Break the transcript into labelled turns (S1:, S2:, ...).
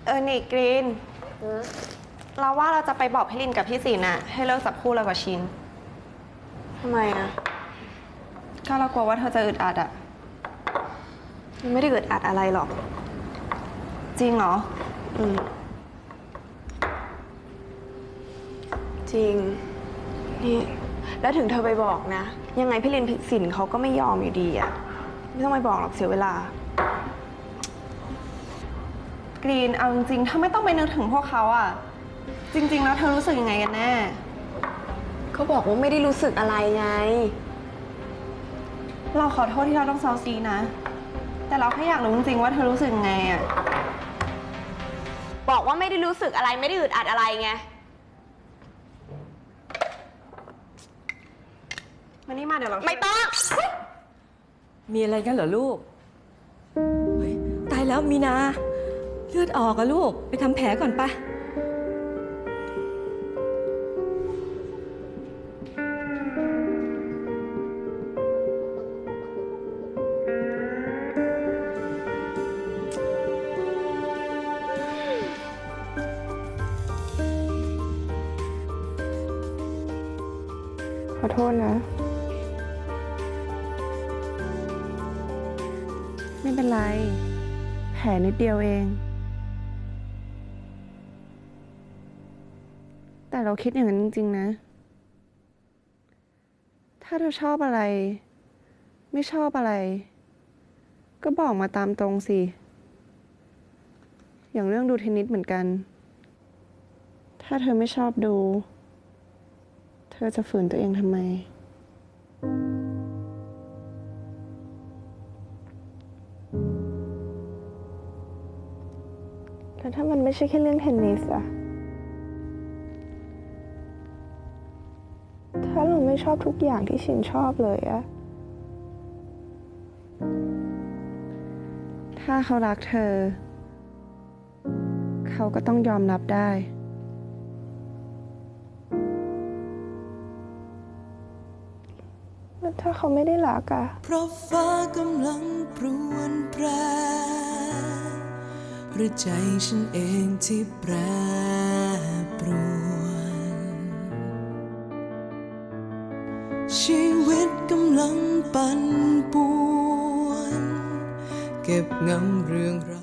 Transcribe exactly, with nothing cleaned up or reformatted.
S1: เออนี่กรีนเราว่าเราจะไปบอกพี่ลินกับพี่สินอะให้เลิกจับคู่เรากับชิน
S2: ทำไมอะ
S1: ก็เรากลัวว่าเธอจะอึดอัดอะ
S2: มันไม่ได้อึดอัดอะไรหรอก
S1: จริงเหรอ
S2: อืมจริงนี่แล้วถึงเธอไปบอกนะยังไงพี่ลินพี่สินเขาก็ไม่ยอมอยู่ดีอะไม่ต้องไปบอกหรอกเสียเวลาก
S1: รีนเอาจริงๆถ้าไม่ต้องไปนึกถึงพวกเขาอะจริงๆแล้วเธอรู้สึกยังไงกันแน่
S2: เขาบอกว่าไม่ได้รู้สึกอะไรไง
S1: เราขอโทษที่เราต้องเซาซีนะแต่เราแค่อยากรู้จริงๆว่าเธอรู้สึกยังไงอะ
S2: บอกว่าไม่ได้รู้สึกอะไรไม่ได้อึดอัดอะไรไง
S1: มานี่มาเดี๋ยวเรา
S2: ไม่ต้อง
S3: มีอะไรกันเหรอลูกเฮ้ยตายแล้วมีนาเลือดออกอะลูกไปทำแผลก่อนปะ
S2: ขอโทษนะ
S1: ไม่เป็นไรแผลนิดเดียวเองแต่เราคิดอย่างนั้นจริงๆนะถ้าเธอชอบอะไรไม่ชอบอะไรก็บอกมาตามตรงสิอย่างเรื่องดูเทนนิสเหมือนกันถ้าเธอไม่ชอบดูเธอจะฝืนตัวเองทำไมแล้วถ้ามันไม่ใช่แค่เรื่องเทนนิสอะถ้าเราไม่ชอบทุกอย่างที่ชินชอบเลยอะถ้าเขารักเธอเขาก็ต้องยอมรับได้แล้วถ้าเขาไม่ได้รักอะ
S4: เพราะฟ้ากำลังปรวนแปรหรือใจฉันเองที่แปรปรวนชีวิตกำลังปั่นป่วนเก็บงำเรื่องราว